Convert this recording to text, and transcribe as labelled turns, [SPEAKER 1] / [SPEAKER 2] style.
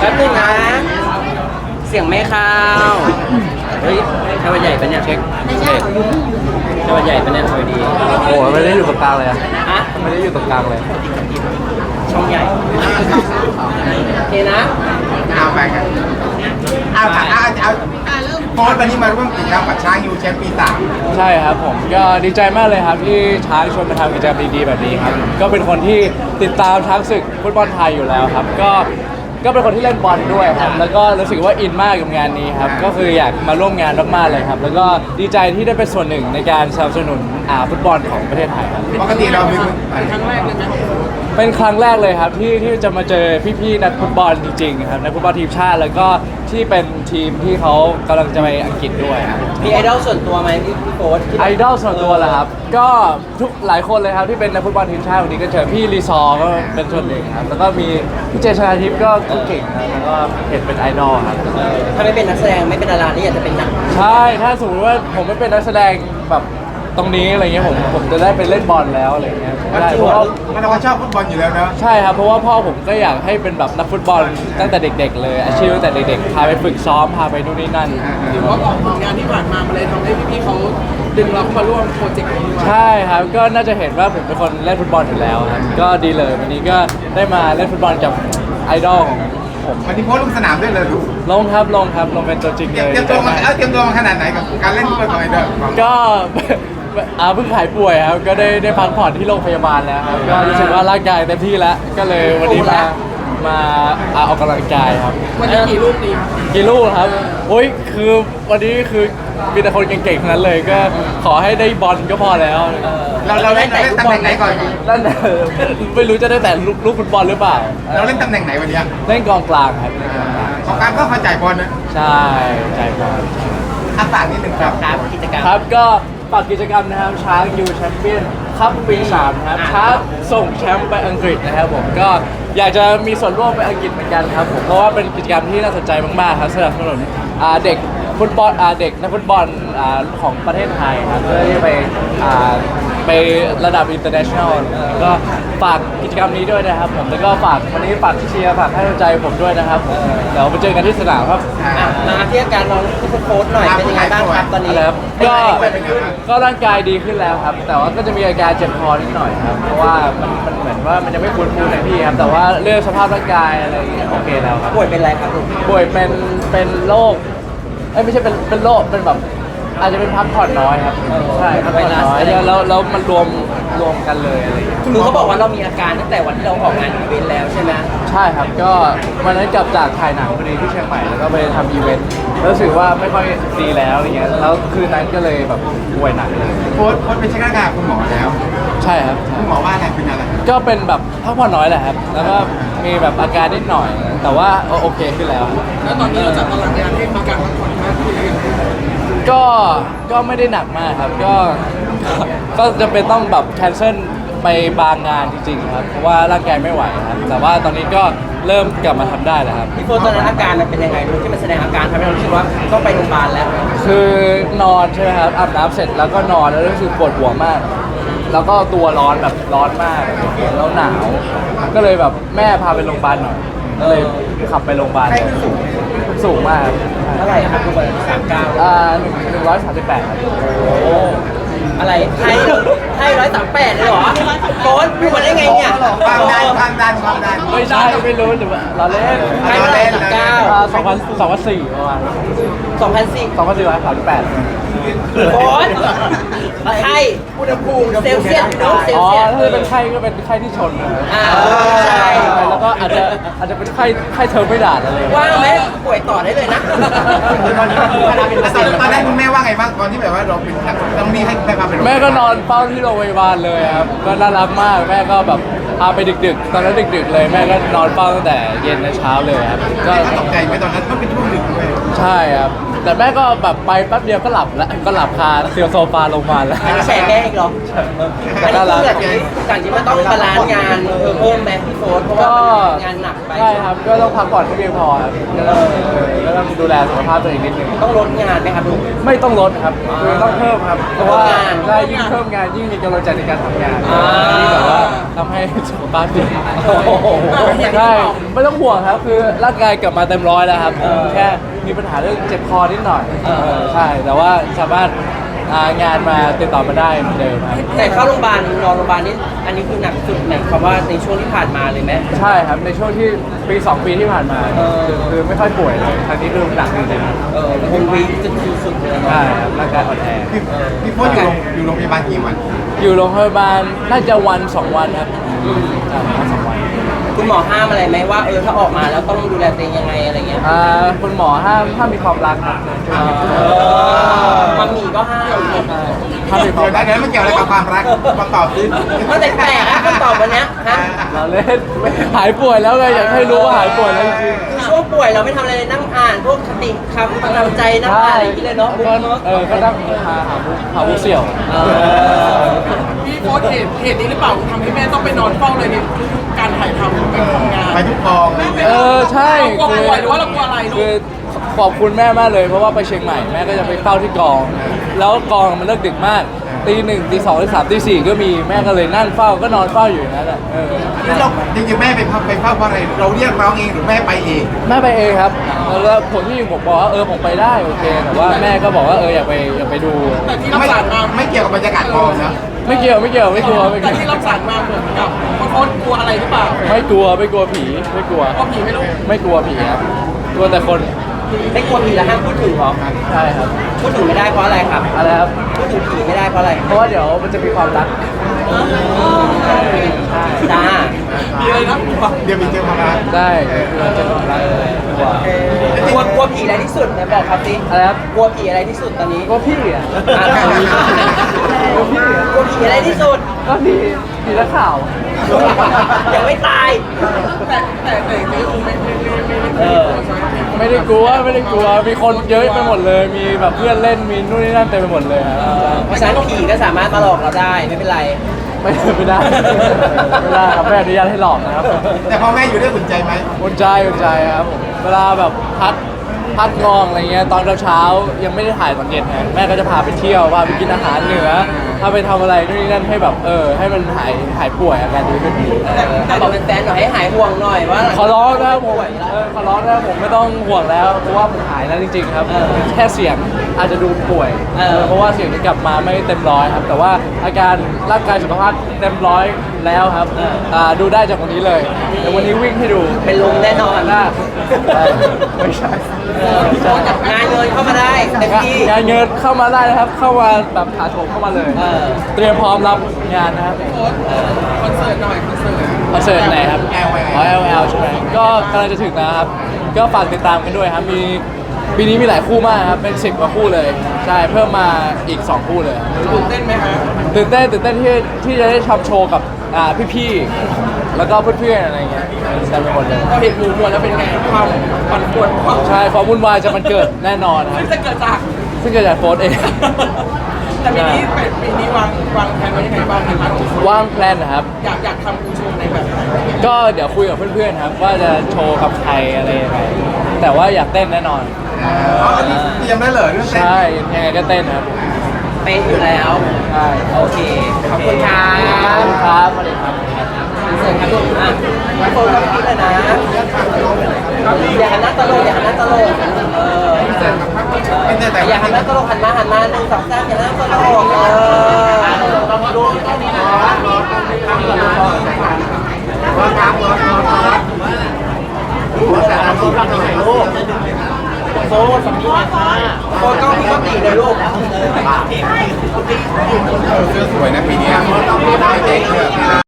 [SPEAKER 1] แป๊บนึงนะเสียงไม่เข้าเฮ้ยชาวใหญ่ปะเนี่ยเช็คชาวใหญ่ปะเนี่ยสวัสดี
[SPEAKER 2] โอ้ไม่ได้อยู่ตรงกลางเลยอะ
[SPEAKER 1] อะ
[SPEAKER 2] ไม่ได้อยู่ตรงกลางเลย
[SPEAKER 1] ช่องใหญ่โอเคนะ
[SPEAKER 3] เอาไปกันเอาโค้ชวันนี้มาร่วมกิจกรรมกับช้างยูแชมป์ปีสาม
[SPEAKER 2] ใช่ครับผมก็ดีใจมากเลยครับที่ช้างชวนมาทำกิจกรรมดีๆแบบนี้ครับก็เป็นคนที่ติดตามช้างศึกฟุตบอลไทยอยู่แล้วครับก็เป็นคนที่เล่นบอลด้วยครับแล้วก็รู้สึกว่าอินมากกับงานนี้ครับก็คืออยากมาร่วมงานมากๆเลยครับแล้วก็ดีใจที่ได้เป็นส่วนหนึ่งในการสนับสนุนฟุตบอลของประเทศไทยครับ
[SPEAKER 3] ปกติเราเป็น
[SPEAKER 2] เป็นครั้งแรกเลยครับที่จะมาเจอพี่ๆนักฟุตบอลจริงๆครับนักฟุตบอลทีมชาติแล้วก็ที่เป็นทีมที่เขากำลังจะไปอังกฤษด้วยครับ
[SPEAKER 1] มีไอดอลส่วนตัวไหมพี่โค้ชที่
[SPEAKER 2] ไอดอลส่วนตัวเหรอครับก็ทุกหลายคนเลยครับที่เป็นนักฟุตบอลทีมชาติวันนี้ก็เจอพี่รีซอร์ก็เป็นส่วนหนึ่งครับแล้วก็มีพี่เจชนาทิพย์ก็เก่งครับแล้วก็เห็นเป็นไอดอลครับ
[SPEAKER 1] ถ้าไม่เป็นนักแสดงไม่เป็นดารานี่อยากจะเป็นนัก
[SPEAKER 2] ใช่ถ้าสมมติว่าผมไม่เป็นนักแสดงแบบตรงนี้อะไรเงี้ยผมจะได้ไปเล่นบอลแล้วอะไรเงี้ยได้เพราะว่า
[SPEAKER 3] มันเราชอบฟุตบอลอยู่แล้วเนอะ
[SPEAKER 2] ใช่ครับเพราะว่าพ่อผมก็อยากให้เป็นแบบนักฟุตบอลตั้งแต่เด็กๆเลยอาชีพตั้งแต่เด็กๆพาไปฝึกซ้อมพาไปนู่นนี่นั่น
[SPEAKER 4] เพราะผลงานที่ผ่านมามันเลยทำให้พี่ๆเขาดึงเราเข้ามาร่วมโปรเจกต์นี้ด้วย
[SPEAKER 2] ใช่ครับก็น่าจะเห็นว่าผมเป็นคนเล่นฟุตบอลอยู่แล้วครับก็ดีเลยวันนี้ก็ได้มาเล่นฟุตบอลกับไอดอลของผม
[SPEAKER 3] วันนี้โค้ชลงสนามด้วยเลยลูก
[SPEAKER 2] ลงครับลงเป็นตัวจริง
[SPEAKER 3] เต
[SPEAKER 2] เลย
[SPEAKER 3] รียมตัวมาเตรียมตัวมาขนาดไหนกับการเล่นฟุตบอลของไอเดอร์
[SPEAKER 2] ก็ เพิ่งหายป่วยครับก็ได้พักผ่อนที่โรงพยาบาลแล้วครับก็รู้สึกว่าร่างกายเต็มที่แล้วก็เลยวันนี้มาออกกำลังกายครับ
[SPEAKER 4] วันนี้กี่ลูกดี
[SPEAKER 2] กี่ลูกครับโอ้ยคือวันนี้คือมีแต่คนเก่งๆทั้งนั้นเลยก็ขอให้ได้บอลก็พอแล้ว
[SPEAKER 3] เราเล่นตำแหน่งไหนก่อน
[SPEAKER 2] นั่นน่ะไม่รู้จะได้แต่ลูกฟุตบอลหรือเปล่า
[SPEAKER 3] เราเล่นตำแหน่งไหนวันนี้
[SPEAKER 2] เล่นกองกลางครับ
[SPEAKER 3] ของการก็เข้าใจบอลนะ
[SPEAKER 2] ใช่ใจบอล
[SPEAKER 3] อาฝากนิดหนึ่งครับ
[SPEAKER 1] ครับกิจกรรม
[SPEAKER 2] ครับก็ฝากกิจกรรมนะครับช้างยูแชมเปี้ยนคัพปี3นะครับช้างส่งแชมป์ไปอังกฤษนะครับผมก็อยากจะมีส่วนร่วมไปอังกฤษเหมือนกันครับผมเพราะว่าเป็นกิจกรรมที่น่าสนใจมากๆครับสนับสนุนเด็กฟุตบอลเด็กนักฟุตบอลของประเทศไทยครับเพื่อที่จะไประดับ international ก็ฝากกิจกรรมนี้ด้วยนะครับผมแล้วก็ฝากวันนี้ฝากเชียร์ฝากให้กำลังใจผมด้วยนะครับผมเดี๋ยวไปเจอกันที่สนามครับ
[SPEAKER 1] มาที่อาการน้องโค้ชหน่อยเป็นยังไงบ้างครับตอนนี้
[SPEAKER 2] ครับก็ร่างกายดีขึ้นแล้วครับ แต่ว่าก็จะมีอาการเจ็บคอนิดหน่อยครับ เพราะว่ามันเหมือนว่ามันยังไม่ฟื้นฟูในที่ครับ แต่ว่าเรื่องสภาพร่างกายอะไรอย่างเงี้ยโอเคแล้วครับ
[SPEAKER 1] ป่วยเป็นอะไรครับลูก
[SPEAKER 2] ป่วยเป็นโรคไม่ใช่เป็นโรคเป็นแบบอาจจะเป็นพักผ่อนน้อยครับใช่พักผ่อนน้อยแล้วมันรวมกันเลยอะไรอย่างเงี้ย
[SPEAKER 1] คือเขาบอกว่าเรามีอาการตั้งแต่วันที่เราออกงานอีเวนต์แล้วใช่ไหม
[SPEAKER 2] ใช่ครับก็วันนั้นกลับจากถ่ายหนังพอดีที่เชียงใหม่แล้วก็ไปทำอีเวนต์แล้วรู้สึกว่าไม่ค่อยดีแล้วอะไรเงี้ยแล้วคืนนั้นก็เลยแบบป่วยหนักเลย
[SPEAKER 3] โค้ชไปเช็คร่างกายคุณหมอแล้ว
[SPEAKER 2] ใช่ครับ
[SPEAKER 3] คุณหมอว่าอะไรเป็นอะไร
[SPEAKER 2] ก็เป็นแบบพักผ่อนน้อยแหละครับ แล้วก็มีแบบอาการนิดหน่อย แต่ว่าโอเคขึ้นแล้ว
[SPEAKER 4] แล้วตอนนี้เราจัดตารางงานให้มาการพักผ่อนมากขึ้นหรือยัง
[SPEAKER 2] ก็ไม่ได้หนักมากครับ ก็จะเป็นต้องแบบแคนเซิลไปบางงานจริงๆครับ เพราะว่าร่างกายไม่ไหวครับ แต่ว่าตอนนี้ก็เริ่มกลับมาทำได้แล้วครับ
[SPEAKER 1] พี่โค้ชตอนนั้นอาการมันเป็นยังไงลูกที่มันแสดงอาการทำให้เรารู้สึกว่าต้องไปโรงพยาบาลแล้ว
[SPEAKER 2] คือนอนใช่ไหมครับอาบน้ำเสร็จแล้วก็นอนแล้วรู้สึกปวดหัวมาก แล้วก็ตัวร้อนแบบร้อนมากแล้วหนาว ก็เลยแบบแม่พาไปโรงพยาบาลหน่อยก็เลยขับไปโรงพยาบาลเลยสูงมากครับ
[SPEAKER 1] เท่าไหร่ครับทุกคน39
[SPEAKER 2] 138ครับ
[SPEAKER 1] โอ้อะไรให้138เลยเหรอโค้ชพูดมาได้ไงเนี่ย
[SPEAKER 3] ความดัน
[SPEAKER 2] ไม่ใช่ไม่รู้หรือว่าเราเล่น
[SPEAKER 1] ให้139
[SPEAKER 2] 2004ประมาณ
[SPEAKER 1] 2004
[SPEAKER 2] 2438
[SPEAKER 1] โค้ชไข้อุณหภูมิเซลเซียสเนาะเซล
[SPEAKER 2] อ๋อ
[SPEAKER 1] เซียส
[SPEAKER 2] ถ้าเป็นไข้ก็เป็นไข้ที่ชนนะครับ
[SPEAKER 1] ใช่
[SPEAKER 2] แล้วก็อาจจะเป็นไข้เทอร์ไม่ดาดอะไรอย่างเงี้ย
[SPEAKER 1] ว่างไหมป่วยต่อได้เลยนะ
[SPEAKER 3] ตอนแรกคุณแม่ว่าไงบ้างตอนที่แบบว่าเราเป็นต้องมีให้แม่พาไปโรงพยาบาล
[SPEAKER 2] แม่ก็นอนเฝ้าที่โรงพยาบาลเลยครับก็น่ารักมากแม่ก็แบบพาไปดึกๆ ตอนนั้นดึกๆเลยแม่ก็นอนเฝ้าตั้งแต่เย็นในเช้าเลยครับก็
[SPEAKER 3] แม่ก็ตกใจไหมตอนนั้นก็เป็นช่วงดึกด้วย
[SPEAKER 2] ใช่ครับแต่แม่ก็แบบไปแป๊บเดียวก็หลับแล้วก็หลับคาเตียวโซฟาลงมาแล้ว
[SPEAKER 1] อันนี้แชร์แม่อีกเหรออันนี้คืออย่างที่มันต้องบาลานซ์งานเพิ่มไหมพี่โฟร์เพราะว่ามันงานหนักไป
[SPEAKER 2] ใช่ครับก็ต้องพักผ่อนให้เพียงพอครับก็ต้องดูแลสุขภาพตัวเองนิดนึง
[SPEAKER 1] ต้องลดงานไหมครับลูก
[SPEAKER 2] ไม่ต้องลดครับคือต้องเพิ่มครับเพราะว่า
[SPEAKER 1] เพิ่มงาน
[SPEAKER 2] ได้ยิ่งเพิ่มงานยิ่งมีกำลังใจในการทำงาน
[SPEAKER 1] อ่า
[SPEAKER 2] ที่แบบว่าทำให้สุขภาพดี
[SPEAKER 1] โอ้โห
[SPEAKER 2] ใช่ไม่ต้องห่วงครับคือร่างกายกลับมาเต็มร้อยแล้วครับแค่มีปัญหาเรื่องเจ็บคอนิดหน่อยใช่แต่ว่าสามารถงานมาติดต่อมาได้เหมือนเดิมครับ
[SPEAKER 1] แต่เข้าโรงพยาบาลนอนโรงพยาบาลนี่อันนี้คือหนักสุดหมายความว่าในช่วงที่ผ่านมาเลยไหม
[SPEAKER 2] ใช่ครับในช่วงที่ปี 2 ปีที่ผ่านมาคือไม่ค่อยป่วยเลยครั้งนี้คือหนักจริงๆ
[SPEAKER 1] คงวีจุดสุดๆเลย
[SPEAKER 2] ใช่ครับร่างกายอ่อนแอ
[SPEAKER 3] พี่โฟนอยู่โรงพยาบาลกี่วัน
[SPEAKER 2] อยู่โรงพยาบาลน่าจะวัน 2 วันครับใช่วัน2 วัน
[SPEAKER 1] คุณหมอห้ามอะไรไหมว่าถ้าออกมาแล้วต้องดูแลตัวเองยังไงอะไรเงี้ย
[SPEAKER 2] คุณหมอห้ามมีความรักครับ
[SPEAKER 1] มัมมี่ก็ห้าม
[SPEAKER 2] ห้ามมีความ
[SPEAKER 3] เดี๋ยว
[SPEAKER 2] รัก
[SPEAKER 3] นั้นมันเกี่ยวอะไรกับความรักมาตอบสิ
[SPEAKER 1] มันแปลกๆนะคำตอบวันเนี้ยฮะ
[SPEAKER 2] เราเล่นหายป่วยแล้วไงอยากให้รู้ว่าหายป่วยแล้วจริง
[SPEAKER 1] คือช่วงป่วยเราไม่ทำอะไรเลยนั่งอ่านพวกคติคำกำลังใจนั่งอ่านอะไรอย่างเงี้ยเลยเนาะบุ๊กเนาะ
[SPEAKER 2] ก็นั่งหาบุกเสี่ยว
[SPEAKER 4] พี่โฟร์เหตุนี้หรือเปล่าทำให้แม่ต้องไปนอนเฝ้าเลยในทุกๆการถ่ายทำการทำงาน
[SPEAKER 3] ไปทุกกอง
[SPEAKER 2] ใช่
[SPEAKER 4] เรากลัวป่วยหรือว่าเรากลัวอะไรลู
[SPEAKER 2] คือก ขอบคุณแม่มากเลยเพราะว่าไปเชียงใหม่แม่ก็จะไปเฝ้าที่กอง แล้วกองมันเลิกดึกมากตี 1ตี 2ตี 3ตี 4ก็มีแม่ก็เลยนั่งเฝ้าก็นอนเฝ้าอยู่อย่างนั้นแหละ
[SPEAKER 3] นี่เราจริงๆแม่ไปเฝ้าเพราะอะไรเราเรียกร้องเองหรือแม่ไปเอง
[SPEAKER 2] แม่ไปเองครับแล้วผมที่ผมบอกว่าผมไปได้โอเคแต่ว่าแม่ก็บอกว่าอยากไปดู
[SPEAKER 4] แต่ที่รับ
[SPEAKER 3] ไม่
[SPEAKER 4] สารมา
[SPEAKER 3] ไม่เกี่ยวกับบรรยากาศกองนะ
[SPEAKER 2] ไม่เกี่ยวไม่กลัวไม่กลัว
[SPEAKER 4] แต่ที่รับสารมาเหมือนกับโฟร์กลัวอะไรหรือเปล่า
[SPEAKER 2] ไม่กลัวผีไม่กลัว
[SPEAKER 4] เพราะผีไม่รู้
[SPEAKER 2] ไม่กลัวผีครับกลัวแต่คน
[SPEAKER 1] ไม่กลัวผีแล้วห้ามพูดถึงหรอ
[SPEAKER 2] ใช่ครับ
[SPEAKER 1] พูดถึงไม่ได้เพราะอะไรครับ
[SPEAKER 2] อะไรครับ
[SPEAKER 1] พูดถึงผีไม่ได้เพราะอะไร
[SPEAKER 2] เพราะว่าเดี๋ยวมันจะมีความรัก
[SPEAKER 1] จ้า
[SPEAKER 4] ผีอะไรนะ
[SPEAKER 3] เดี๋ยวมีเจอความรัก
[SPEAKER 2] ได้มันจะมีความรักกลัว
[SPEAKER 1] กลัวผีอะไรที่สุดไหนบอกครับสิ
[SPEAKER 2] อะไรครับ
[SPEAKER 1] กลัวผีอะไรที่สุดตอนนี้
[SPEAKER 2] กลัวพี่อ่ะ
[SPEAKER 1] อ่ะ
[SPEAKER 2] กลัวพี่อ่ะ
[SPEAKER 1] กลัวผีอะไรที่สุด
[SPEAKER 2] ก็ผีนักข่าว
[SPEAKER 1] ยังไม่ตาย
[SPEAKER 4] แต่ไม่รู้ไม่
[SPEAKER 2] ไม่ได้กลัวมีคนเยอะไปหมดเลย มีแบบเพื่อนเล่นมีนู่นนี่นั่นเต็มไปหมดเลยครับ
[SPEAKER 1] เพราะฉะนั้นผีก็สามารถมาหลอกเราได้ไม่เป็นไร
[SPEAKER 2] ไม่ได้ครับไม่อนุญาตให้หลอกนะครับ
[SPEAKER 3] แต่พอแม่อยู่ด้วยอุ่นใจไหม
[SPEAKER 2] อุ่นใจครับผมเวลาแบบพัดงองอะไรเงี้ยตอนเช้าๆยังไม่ได้ถ่ายตอนเย็นไงแม่ก็จะพาไปเที่ยวพาไปกินอาหารเหนือพาไปทำอะไรนู่นนี่นั่นให้แบบให้มันหายป่วยอาการดีขึ้น
[SPEAKER 1] แต่บอกเป็นแฟนหน่อยให้หายห่วงหน่อยว่า
[SPEAKER 2] ขอร้องนะครับผมขอร้องนะครับผมไม่ต้องห่วงแล้วเพราะว่าผมหายแล้วจริงๆครับแค่เสียงอาจจะดูป่วยเพราะว่าเสียงจะกลับมาไม่เต็มร้อยครับแต่ว่าอาการร่างกายสุขภาพเต็มร้อยแล้วครับดูได้จากวันนี้เลยเดี๋ยววันนี้วิ่งให้ดู
[SPEAKER 1] เป็นลมแน่นอน
[SPEAKER 2] หน้าไม่ใช่
[SPEAKER 1] งานเงินเข้ามาได้เต็มที่
[SPEAKER 2] งานเงินเข้ามาได้นะครับ เข้ามาแบบถาโถมเข้ามาเลย เตรียมพร้อมรับงานนะครับ
[SPEAKER 4] โฟร์คอนเสิร์ตหน่อยคอนเสิร์ต
[SPEAKER 2] คอนเสิร์ตไหนครับ LL ใช่ไหมก็กำลังจะถึงนะครับ ก็ฝากติดตามกันด้วยครับ ปีนี้มีหลายคู่มากครับ เป็น10 กว่าคู่เลย ใช่ เพิ่มมาอีก 2 คู่เลย
[SPEAKER 4] ตื่นเต้นไหมฮะ
[SPEAKER 2] ตื่นเต้นที่จะได้ทำโชว์กับพี่ๆ แล้วก็เพื่อนๆ อะไรเงี้ยเต็มไปหมดเลย
[SPEAKER 4] พอเห็นหมูมวลแล้วเป็นไงความปั่นป่วนความ
[SPEAKER 2] ใช่ ความวุ่นวายจะมันเกิดแน่นอนครับ
[SPEAKER 4] ซึ่งจะเกิดจาก
[SPEAKER 2] ซึ่งเกิดจากโฟร์เอง
[SPEAKER 4] แต่ปีนี้วางแผนไว้ยังไงบ้างในพาร์ทของโชว์
[SPEAKER 2] ว่างแพลนนะครับ
[SPEAKER 4] อยากทำโชว์ในแบบไหน
[SPEAKER 2] ก็เดี๋ยวคุยกับเพื่อนๆครับ ว่าจะโชว์กับใครอะไรยังไง แต่ว่าอยากเต้นแน่นอน
[SPEAKER 3] อันนี้เตรียมได้เลยเรื่องเต้น
[SPEAKER 2] ใช่ ยังไงก็เต้นครับ
[SPEAKER 1] เป็นอยู่แล้ว
[SPEAKER 2] ใช่
[SPEAKER 1] โอเค ขอบคุณครั
[SPEAKER 2] ขอบคุณครับสวัสดีครับ
[SPEAKER 1] เสร็จครับลูกอ่ะทุกคนก็คิดเลยนะอย่าหันหน้าตลกอย่าหันหน้าตลกอย่าหันหน้าตลกหันมา1 2 3อย่าหันหน้าตลกดูตรงนี้นะโฟสำนีโฟต้องมีสติเลยลูก
[SPEAKER 3] เสื้อสวยนะปีนี้